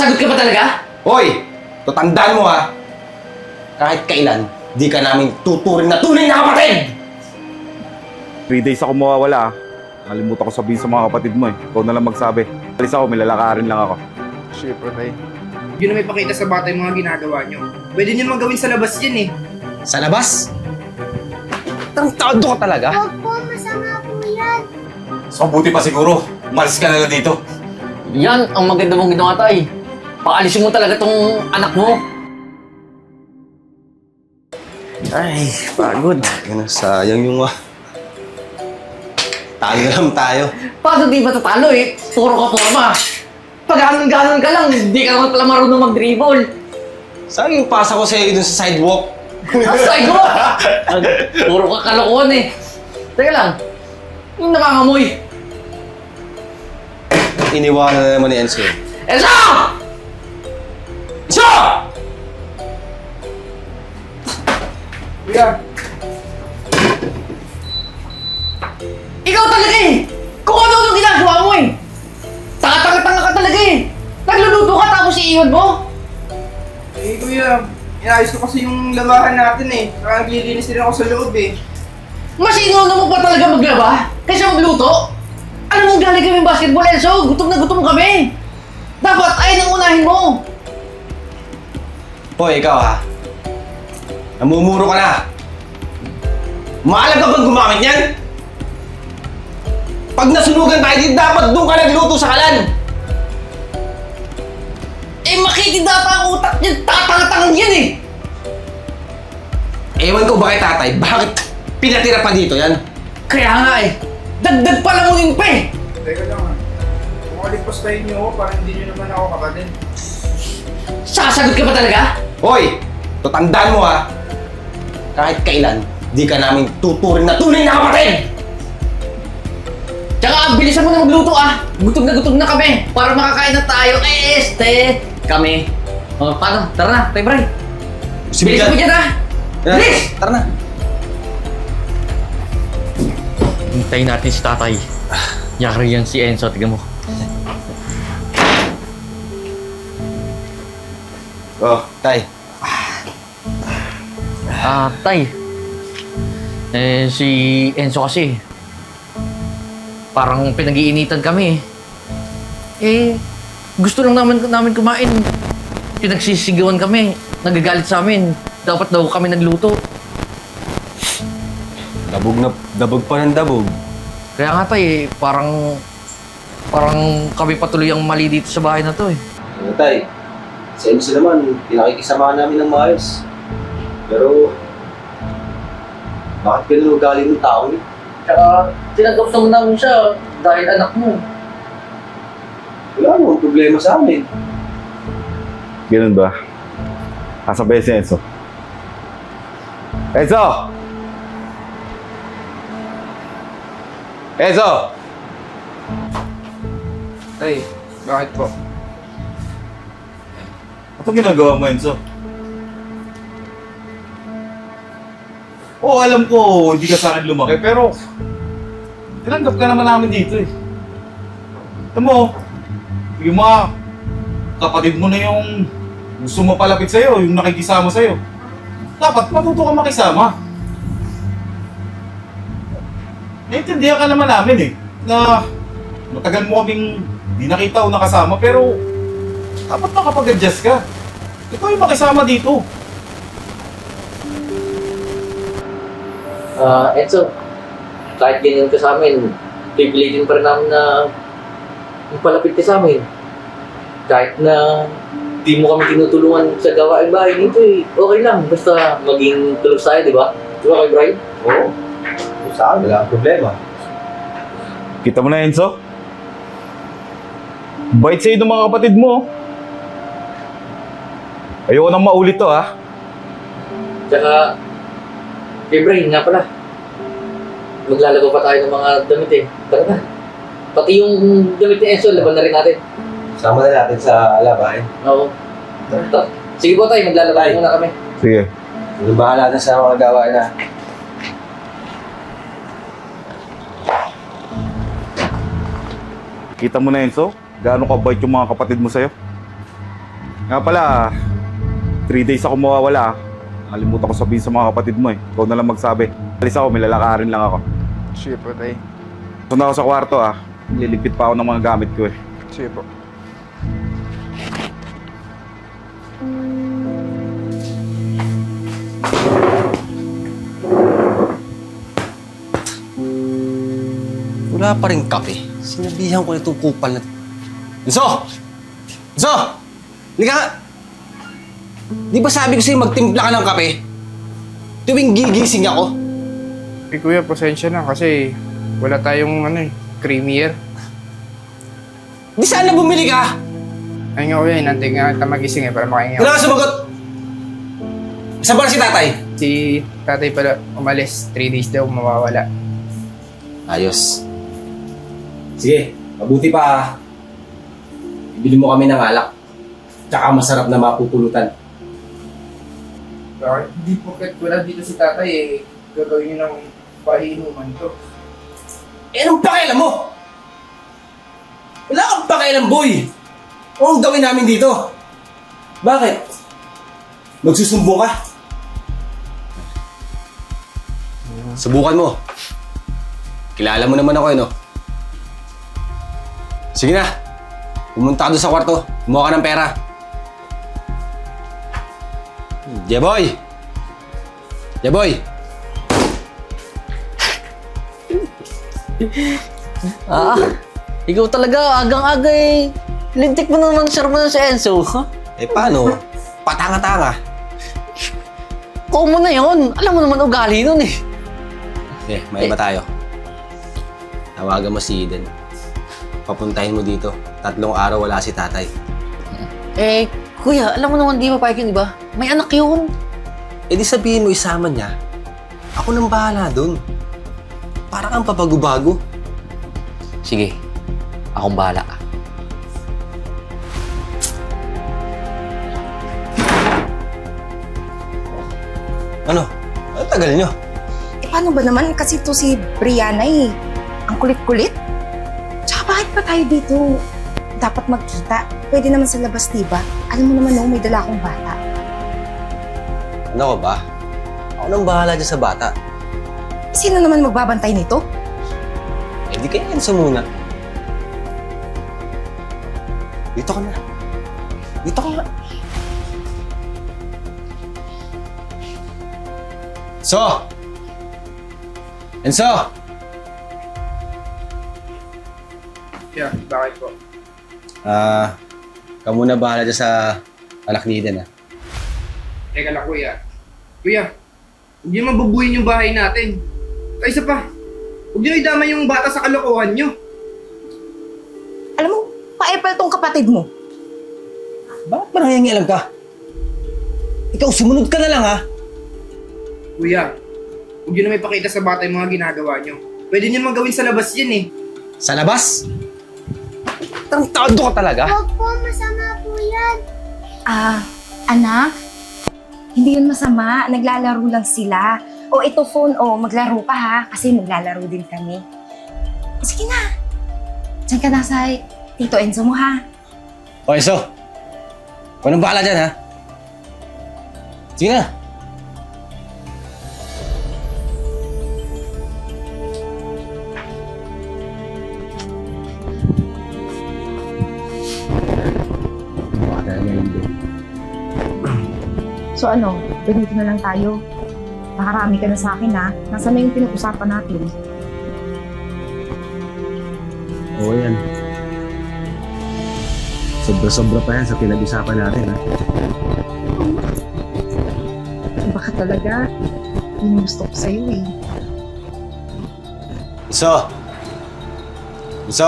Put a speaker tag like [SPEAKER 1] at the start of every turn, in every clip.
[SPEAKER 1] Sasagot ka ba talaga?
[SPEAKER 2] Hoy! Tatandaan mo ha! Kahit kailan, di ka namin tuturing na tunay na kapatid!
[SPEAKER 3] 3 days ako mawawala ah. Nakalimutan ko sabihin sa mga kapatid mo eh. Ikaw na lang magsabi. Alis ako, may lalakarin lang ako.
[SPEAKER 4] Siyempre, tay.
[SPEAKER 5] Yun na may pakita sa bata yung mga ginagawa nyo. Pwede nyo magawin sa labas yan eh.
[SPEAKER 2] Sa labas? Tarantado ka talaga?
[SPEAKER 6] Huwag po, masama po yan.
[SPEAKER 7] So, buti pa siguro. Umalis ka na lang dito.
[SPEAKER 1] Yan ang maganda mong ginawa, tay. Paalisin mo talaga tong anak mo.
[SPEAKER 2] Ay, pagod. Sayang yung talo na lang tayo.
[SPEAKER 1] Paano di matatalo eh? Puro ka forma. Pag ganon ka lang, hindi ka naman pala marunong mag-dribble.
[SPEAKER 2] Sayang yung pasa ko sa'yo dun sa sidewalk.
[SPEAKER 1] Asay ko! Puro ka kalokohan eh. Teka lang, yung nakangamoy.
[SPEAKER 2] Iniwanan na naman ni Enzo.
[SPEAKER 1] Enzo!
[SPEAKER 2] Enzo!
[SPEAKER 5] Kuya,
[SPEAKER 1] Ikaw talaga eh! Kung ano-ano ginagawa mo eh! Tanga-tanga ka talaga eh! Nagluluto ka tapos iiwan mo?
[SPEAKER 5] eh kuya, inayos ko kasi yung labahan natin eh. Saka naglilinis din ako sa loob eh.
[SPEAKER 1] Mas inuuna mo pa talaga maglaba kaysa magluto? Ano mong galing kami basketball, Enzo? Gutom na gutom kami! Dapat ay nang unahin mo!
[SPEAKER 2] Hoy, ikaw ha? Namumuro ka na! Maalam ka bang gumamit niyan? Pag nasunugan tayo dito, dapat doon ka nagluto sa kalan!
[SPEAKER 1] Eh makitid data ang utak niyan! Tatanga-tangang yan eh!
[SPEAKER 2] Ewan ko ba kay tatay, bakit pinatira pa dito yan?
[SPEAKER 1] Kaya nga eh! Dagdag pa lang uling pa eh!
[SPEAKER 5] Teka lang ha. Kung alipastahin nyo ako, parang hindi nyo naman ako kapatid.
[SPEAKER 1] Sasagot ka ba talaga?
[SPEAKER 2] Hoy! Tatandaan mo ha! Kahit kailan, di ka namin tuturing na tunay na kapatid!
[SPEAKER 1] Tsaka bilisan mo na magluto ah! Gutom na kami! Para makakain na tayo! Kami! O, paano? Tara na, Tay Bray! Bilisan mo dyan ah! Bilis!
[SPEAKER 2] Tara na!
[SPEAKER 1] Hintayin natin si tatay. Yari yan si Enzo, tignan mo.
[SPEAKER 2] Oh, tay.
[SPEAKER 1] Tay. Si Enzo kasi. Parang pinag-iinitan kami. Gusto lang namin kumain. Pinagsisigawan kami. Nagagalit sa amin. Dapat daw kami nagluto.
[SPEAKER 2] Dabog pa ng dabog.
[SPEAKER 1] Kaya nga tay, parang kami patuloy ang mali dito sa bahay na to eh.
[SPEAKER 2] Ano tay? Sa MC naman, pinakikisama namin ng maayos. Pero, bakit ganun ugali ng tao niya?
[SPEAKER 1] Tsaka tinanggap naman namin siya dahil anak mo.
[SPEAKER 2] Wala namang problema sa amin.
[SPEAKER 3] Ganun ba? Asa ba si Enzo? Enzo! Enzo!
[SPEAKER 5] Tay, bakit po?
[SPEAKER 3] Ano ginagawa mo, Enzo? Oo, alam ko, hindi ka sa akin lumaki, pero tinanggap ka naman namin dito eh. Alam mo, yung mga kapatid mo na yung gusto mo palapit sa'yo, yung nakikisama sa'yo. Dapat matuto ka makisama. Naintindihan ka naman namin eh, na matagal mo kaming di nakita o nakasama, pero dapat makapag-adjust ka. Ikaw yung makisama dito.
[SPEAKER 1] Enzo, kahit ganyan ka sa amin, pipilitin pa rin namin na palapit ka sa amin. Kahit na di mo kami tinutulungan sa gawaing bahay nito eh, okay lang. Basta maging tulog tayo, di ba? Di ba kay Brian?
[SPEAKER 2] Oo. Sa akin, wala problema.
[SPEAKER 3] Kita mo na, Enzo? Bait sa'yo ng mga kapatid mo. Ayoko nang maulit to, ha?
[SPEAKER 1] Tsaka, kay Brian nga pala, maglalago pa tayo ng mga damit eh. Tara na. Pati yung damit ni Enzo, laban na rin natin.
[SPEAKER 2] Sama na natin sa labahin.
[SPEAKER 1] Oo. Tara. Sige po tayo, maglalaro muna kami.
[SPEAKER 3] Sige.
[SPEAKER 2] Ano bahala na sa mga gawain na.
[SPEAKER 3] Kita mo na, Enzo? Gaano kabait yung mga kapatid mo sa'yo? Nga pala, 3 days ako mawawala. Nakalimutan ko sabihin sa mga kapatid mo eh. Ikaw na lang magsabi. Alis ako, may lalakarin lang ako.
[SPEAKER 5] Sige po, tay.
[SPEAKER 3] Punta ako sa kwarto Liligpit pa ako ng mga gamit ko eh.
[SPEAKER 5] Sige po.
[SPEAKER 2] Wala pa rin kape. Sinabihan ko na itong kupal na... Enzo! Enzo! Halika nga! Di ba sabi ko sa'yo magtimpla ka ng kape? Tuwing gigising ako.
[SPEAKER 5] Eh, kuya, pasensya na kasi wala tayong creamier.
[SPEAKER 2] Di sana bumili ka!
[SPEAKER 5] Ay nga, kuya, inantay nga kita magising para makahinga.
[SPEAKER 2] Wala ka sumagot! Saan ba na si tatay?
[SPEAKER 5] Si tatay pala umalis. 3 days daw mawawala.
[SPEAKER 2] Ayos. Sige, mabuti pa. Ibili mo kami ng alak. Tsaka masarap na mapupulutan.
[SPEAKER 5] Bakit? Hindi po wala dito si tatay eh. Gagawin niyo ng pahinuman to.
[SPEAKER 2] Eh, anong pakialam mo? Wala kang pakialam, boy! Anong gawin namin dito? Bakit? Magsusumbong ka? Subukan mo. Kilala mo naman ako, no? Sige na. Pumunta ka doon sa kwarto. Kumuha ka ng pera. Jeboy! Jeboy!
[SPEAKER 4] Ikaw talaga, agang-aga eh. Lintik mo naman sir mo na si Enzo. Huh?
[SPEAKER 2] Eh, paano? Patanga-tanga.
[SPEAKER 4] Kumo na yun. Alam mo naman ugali nun eh.
[SPEAKER 2] Okay, may iba tayo. Tawagan mo si Eden. Papuntahin mo dito. 3 araw wala si tatay.
[SPEAKER 4] Eh, kuya, alam mo naman di ba yun, di ba? May anak yun.
[SPEAKER 2] Eh di sabihin mo isama niya. Ako nang bahala dun. Para kang papagubago.
[SPEAKER 4] Sige, akong bahala.
[SPEAKER 2] Ano? Ang tagal nyo.
[SPEAKER 8] Eh, paano ba naman? Kasi to si Brianna eh. Ang kulit-kulit. Tsaka bakit pa tayo dito dapat magkita? Pwede naman sa labas, diba? Alam mo naman, no, may dala akong bata.
[SPEAKER 2] Ano ko ba? Ako nang bahala dyan sa bata.
[SPEAKER 8] Sino naman magbabantay nito?
[SPEAKER 2] Eh di kaya Enzo muna. Dito ka na. Dito ka na. So! Enzo!
[SPEAKER 5] Yeah, bakit po?
[SPEAKER 2] Ka muna bahala dyan sa anak ni Eden,
[SPEAKER 5] Teka lang, kuya. Kuya, hindi mabubuhin yung bahay natin. Isa pa, huwag niyo idama yung bata sa kalokohan niyo.
[SPEAKER 8] Alam mo, pa-epal tong kapatid mo.
[SPEAKER 2] Bakit ba nangyayang ka? Ikaw, sumunod ka na lang,
[SPEAKER 5] Kuya, huwag niyo na may pakita sa bata yung mga ginagawa niyo. Pwede niyo magawin sa labas yan eh.
[SPEAKER 2] Sa labas? Tarantado ka talaga?
[SPEAKER 6] Huwag po, masama po yan.
[SPEAKER 8] Anak, hindi yun masama. Naglalaro lang sila. O ito phone, maglaro ka ha. Kasi maglalaro din kami. Sige na. Diyan ka na sa Tito Enzo mo ha.
[SPEAKER 2] O, Enzo. Kung anong bahala dyan, Sige na.
[SPEAKER 8] So ano, ganito na lang tayo. Nakarami ka na sa akin ha. Nasaan na yung pinag-usapan natin?
[SPEAKER 9] Oo yan. Sobra-sobra pa yan sa pinag-usapan natin,
[SPEAKER 8] Baka talaga, yung gusto ko sa'yo eh.
[SPEAKER 2] Enzo! Enzo!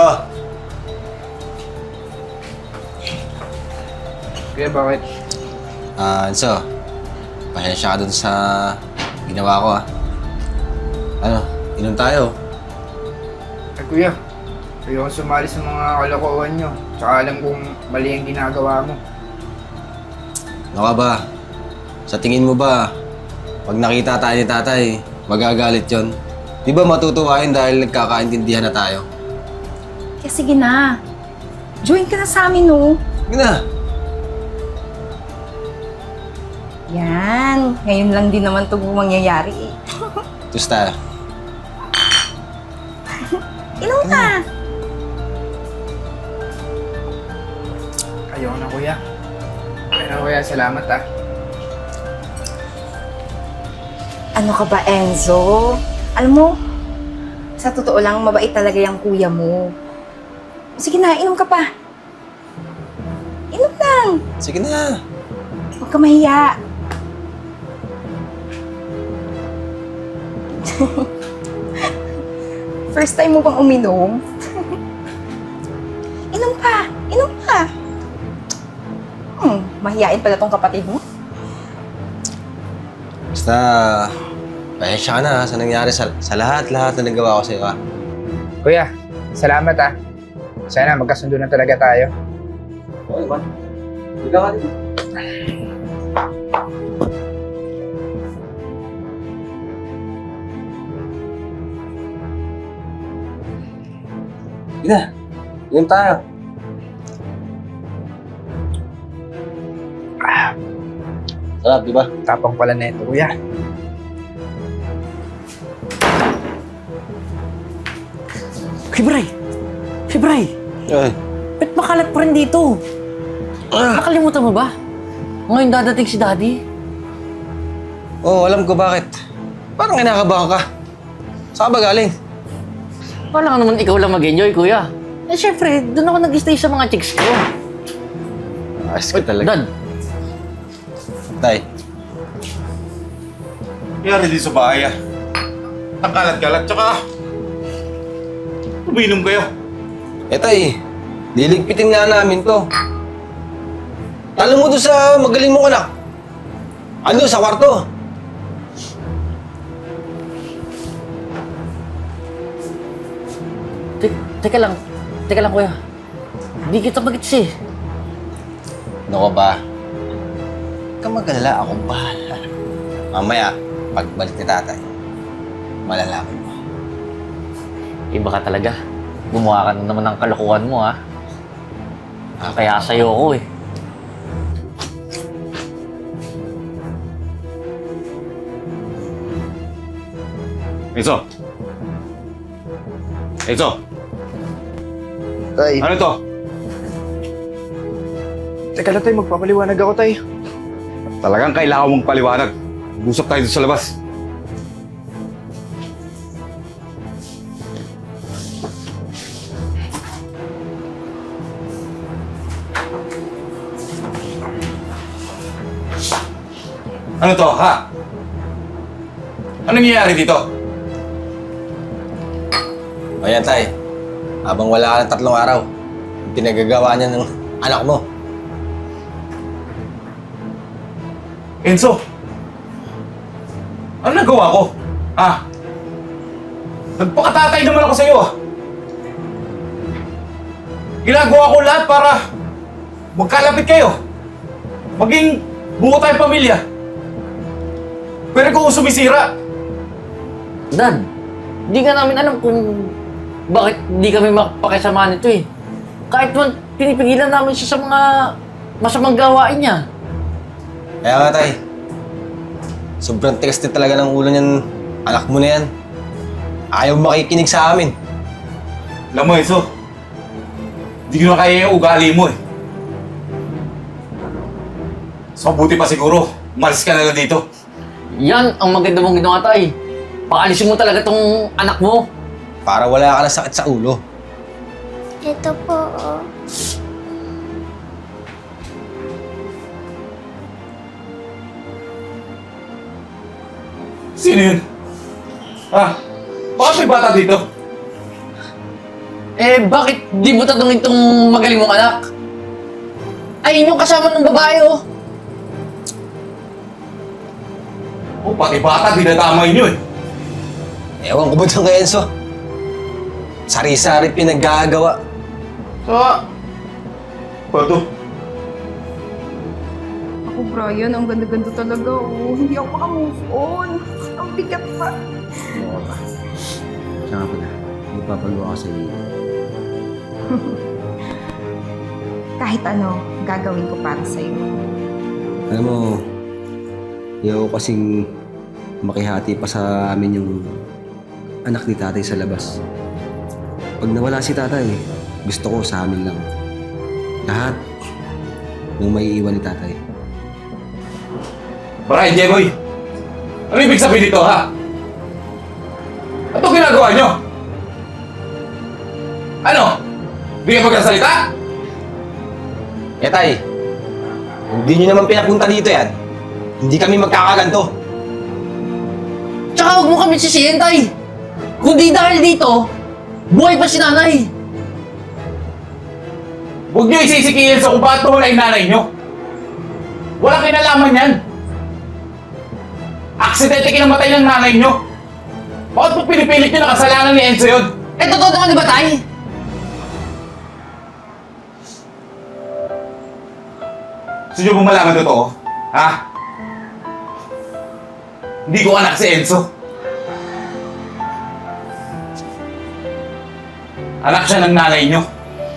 [SPEAKER 5] Kuya, bakit?
[SPEAKER 2] Enzo. Pasensya ka dun sa ginawa ko, Ano, inom tayo.
[SPEAKER 5] Ay, kuya, ayoko sumali sa mga kalokohan niyo. Tsaka alam kong mali ang ginagawa mo.
[SPEAKER 2] Ano ka ba? Sa tingin mo ba, pag nakita tayo ni tatay, magagalit yon? Di ba matutuwa yun dahil nagkakaintindihan na tayo?
[SPEAKER 8] Kaya sige na. Join ka na sa amin, no?
[SPEAKER 2] Sige na.
[SPEAKER 8] Yan. Ngayon lang din naman ito mangyayari eh.
[SPEAKER 2] Tusta.
[SPEAKER 8] Inom ka.
[SPEAKER 5] Ayaw na kuya. Pero kuya, salamat ah.
[SPEAKER 8] Ano ka ba, Enzo? Alam mo, sa totoo lang, mabait talaga yung kuya mo. Sige na, inom ka pa. Inom lang.
[SPEAKER 2] Sige na.
[SPEAKER 8] Huwag ka mahiya. First time mo bang uminom? Inom pa. Inom pa. Mahiyain pala tong kapatid mo.
[SPEAKER 2] Basta, pasensya ka na sa nangyari sa lahat na nagawa ko sa'yo, ha?
[SPEAKER 5] Kuya, salamat ah. Sana magkasundo na talaga tayo.
[SPEAKER 2] Okay ba? Ikaw ka dito. Sige na. Inom tayo. Sarap, di ba?
[SPEAKER 5] Tapang pala na ito, kuya.
[SPEAKER 4] Fibray! Fibray!
[SPEAKER 2] Ay.
[SPEAKER 4] Ba't makalat pa rin dito? Nakalimutan mo ba? Ngayon dadating si Daddy.
[SPEAKER 2] Oo, alam ko bakit. Parang kinakabahan ka. Saan ka ba galing?
[SPEAKER 4] Wala ka naman ikaw lang mag-enjoy, kuya. Eh, syempre, doon ako nag-stay sa mga chicks ko.
[SPEAKER 2] Ayos ka talaga.
[SPEAKER 4] Dad,
[SPEAKER 2] Tay,
[SPEAKER 3] Nangyari din sa bahay ah. Ang kalat-kalat, tsaka uminom kayo.
[SPEAKER 2] Tay, liligpitin nga namin to. Talo mo doon sa magaling mong anak. Ano, sa kwarto?
[SPEAKER 4] teka lang. Teka lang, kuya. Hindi kita magits eh.
[SPEAKER 2] Ano ka ba? Huwag kang mag-alala, akong bahala. Mamaya, pagbalik ni tatay, malalaman mo.
[SPEAKER 4] Iba ka talaga. Gumawa ka na naman ng kalokohan mo, ha? Kaya sa'yo ako eh.
[SPEAKER 3] Enzo! Enzo!
[SPEAKER 2] Tay,
[SPEAKER 3] Ano to?
[SPEAKER 5] Teka lang tayo, magpapaliwanag ako tayo.
[SPEAKER 3] Talagang kailangan mong paliwanag. Usap tayo doon sa labas. Ano to, ha? Ano nangyayari dito?
[SPEAKER 2] o yan tay, habang wala ka ng 3 araw, yung pinagagawa niya ng anak mo.
[SPEAKER 3] Enzo! Ano nagawa ko? Ha? Nagpakatatay naman ako sa'yo ah! Ginagawa ko lahat para magkalapit kayo. Maging buo tayong pamilya. Pero kung sumisira,
[SPEAKER 4] Dad, di ka namin alam kung bakit di kami makapakisama nito eh. Kahit man pinipigilan namin siya sa mga masamang gawain niya.
[SPEAKER 2] Kaya nga tay, sobrang tigas din talaga ng ulo niyan, anak mo na yan. Ayaw makikinig sa amin.
[SPEAKER 3] alam mo Enzo, hindi ko na kaya yung ugali mo eh. So buti pa siguro, umalis ka na lang dito.
[SPEAKER 4] Yan ang maganda mong ginawa, tay. Paalisin mo talaga tong anak mo.
[SPEAKER 2] Para wala ka ng sakit sa ulo.
[SPEAKER 6] Ito po, oh.
[SPEAKER 3] Sino yun? Ha? Bakit may bata dito?
[SPEAKER 4] Eh, bakit di mo tatanungin tong magaling mong anak? Ay, yung kasama ng babae, oh.
[SPEAKER 3] Oh, pati bata, dinadamay niyo eh.
[SPEAKER 2] Ewan ko ba dyan kay Enzo? Sari-sari pinaggagawa.
[SPEAKER 3] Pato,
[SPEAKER 8] Ako, Brian, ang ganda-ganda talaga. Oh. Hindi ako makamove on. Ang bigat pa.
[SPEAKER 9] Oo ba? Siya nga pala, magpapagawa ka sa iyo.
[SPEAKER 8] Kahit ano, gagawin ko para sa'yo.
[SPEAKER 9] Alam mo, Ayaw ko kasing makihati pa sa amin yung anak ni tatay sa labas. Pag nawala si tatay, gusto ko sa amin lang. Lahat yung may iwan ni tatay.
[SPEAKER 7] Brian, Jeboy! Ano ibig sabihin dito, ha? Ano ginagawa nyo? Ano? Hindi kayo magkasalita?
[SPEAKER 2] Eh tay, hindi nyo naman pinapunta dito yan. Hindi kami magkakaganto.
[SPEAKER 4] Tsaka huwag mo kami sisihin, tay. Kundi dahil dito, buhay pa si nanay.
[SPEAKER 7] Huwag nyo isisikihin sa kung bakit wala yung nanay nyo. Walang kinalaman yan. Aksidente kinamatay ng nanay nyo. Bakit po pinipilit nyo na kasalanan ni Enzo yun?
[SPEAKER 4] Eh, totoo naman di ba, tay?
[SPEAKER 7] Gusto nyo bang malaman totoo? Ha? Hindi ko anak si Enzo. Anak siya ng nanay nyo.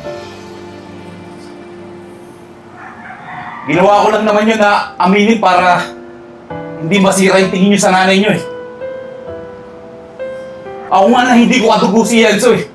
[SPEAKER 7] Ginawa ko lang naman yun na aminin para hindi masira yung tingin nyo sa nanay nyo eh. Ako nga na hindi ko katugo si Enzo eh.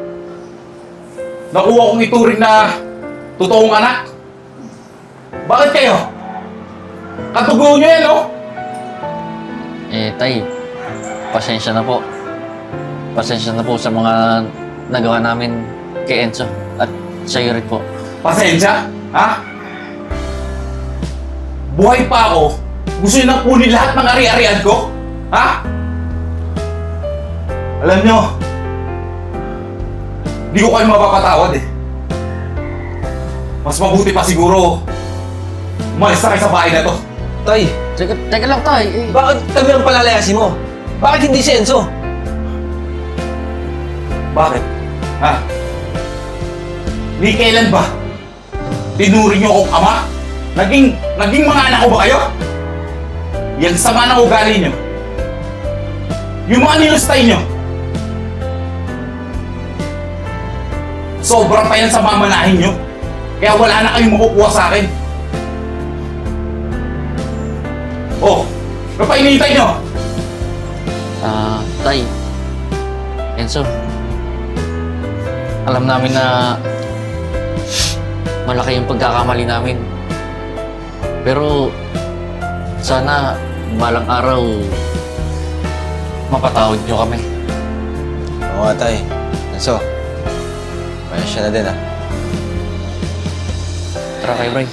[SPEAKER 7] Nakuha kong ituring na totoong anak. Bakit kayo? Katugo nyo yan, no?
[SPEAKER 4] Eh, tay, pasensya na po. Pasensya na po sa mga nagawa namin kay Enzo at sa'yo rin po.
[SPEAKER 7] Pasensya? Ha? Buhay pa ako? Gusto nyo nang kunin lahat ng ari-arian ko? Ha? Alam nyo, di ko kayo mapapatawad eh. Mas mabuti pa siguro, umalis na kayo sa bahay na to.
[SPEAKER 2] Tay,
[SPEAKER 4] Teka lang, tay. Eh,
[SPEAKER 2] bakit kami ang palalayasin mo? Bakit hindi si Enzo?
[SPEAKER 7] Bakit? Ha? Ni kailan ba? Tinuring niyo akong ama? Naging mga anak ko ba kayo? Yan sama ng ugali niyo. Yung mga nilustay niyo. Sobra pa yan sa mamanahin niyo. Kaya wala na kayong makukuha sa akin. Oh, ano pa hinihintay niyo?
[SPEAKER 4] Tay. Enzo. Alam namin na malaki yung pagkakamali namin. Pero sana balang araw mapatawad niyo kami.
[SPEAKER 2] Oo nga tay. Enzo, pasensya na din ah.
[SPEAKER 4] Tara kayo, Bray.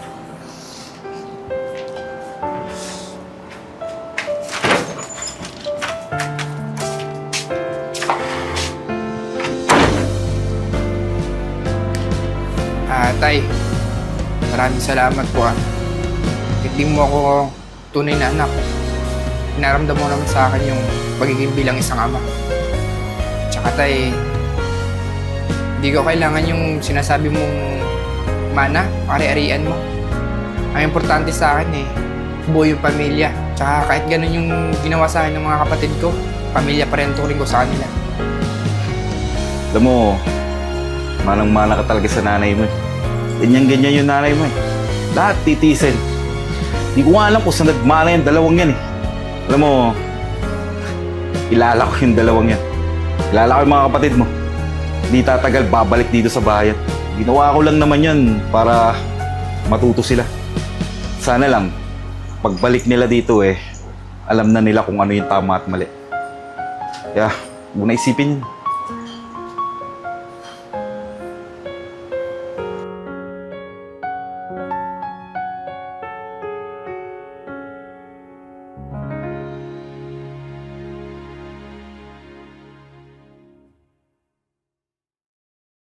[SPEAKER 5] Tay, maraming salamat po Hindi mo ako tunay na anak. Pinaramdam mo naman sa akin yung pagiging bilang isang ama. Tsaka tay, hindi ko kailangan yung sinasabi mong mana, ari-arian mo. Ang importante sa akin buo yung pamilya. Tsaka kahit ganun yung ginawa sa akin ng mga kapatid ko, pamilya pa rin turing ko sa kanila.
[SPEAKER 3] Alam mo, manang-mana ka talaga sa nanay mo. Ganyan-ganyan yung nanay mo eh. Lahat titisin. Hindi ko nga alam kung saan nagmana yung dalawang yan eh. Alam mo, kilala ko yung dalawang yan. Kilala ko yung mga kapatid mo. Hindi tatagal babalik dito sa bayan. Ginawa ko lang naman yan para matuto sila. Sana lang, pagbalik nila dito alam na nila kung ano yung tama at mali. Kaya, huwag na isipin yun.